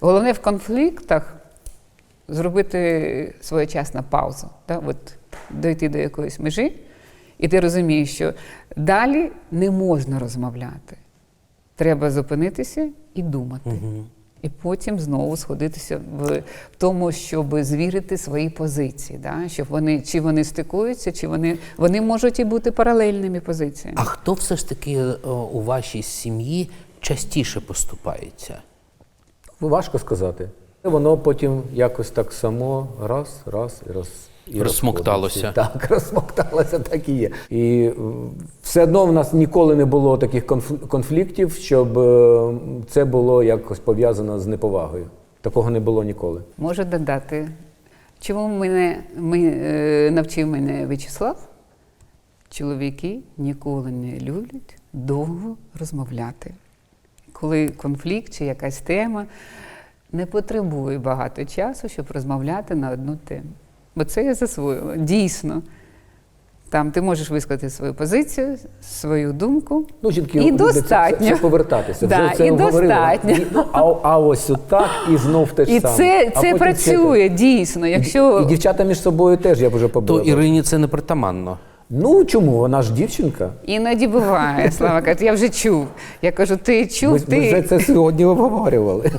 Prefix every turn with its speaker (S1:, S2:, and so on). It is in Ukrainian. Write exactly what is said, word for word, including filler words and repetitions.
S1: Головне в конфліктах зробити своєчасну паузу, да? От дойти до якоїсь межі, і ти розумієш, що далі не можна розмовляти. Треба зупинитися і думати. Угу. І потім знову сходитися в тому, щоб звірити свої позиції, да? Щоб вони, чи вони стикуються, чи вони, вони можуть і бути паралельними позиціями.
S2: А хто все ж таки у вашій сім'ї частіше поступається?
S3: Важко сказати. Воно потім якось так само раз, раз і раз. І
S2: розсмокталося.
S3: Так, розсмокталося, так і є. І все одно в нас ніколи не було таких конфліктів, щоб це було якось пов'язано з неповагою. Такого не було ніколи.
S1: Можу додати, чому мене, ми, навчив мене В'ячеслав? Чоловіки ніколи не люблять довго розмовляти. Коли конфлікт чи якась тема, не потребує багато часу, щоб розмовляти на одну тему. Бо це я засвоїла. Дійсно. Там ти можеш висказати свою позицію, свою думку.
S3: Ну, жінки,
S1: і достатньо.
S3: Це, це повертатися.
S1: Да,
S3: вже це
S1: і
S3: говорили.
S1: достатньо.
S3: І, а, а ось отак і знов те ж
S1: і
S3: саме.
S1: це,
S3: А
S1: це працює, це... дійсно. Якщо...
S3: І, і дівчата між собою теж, я б вже побачив.
S2: То Ірині це не притаманно.
S3: Ну, чому? Вона ж дівчинка.
S1: Іноді буває, Слава каже, я вже чув. Я кажу, ти чув,
S3: Ми,
S1: ти...
S3: ми вже це сьогодні обговорювали.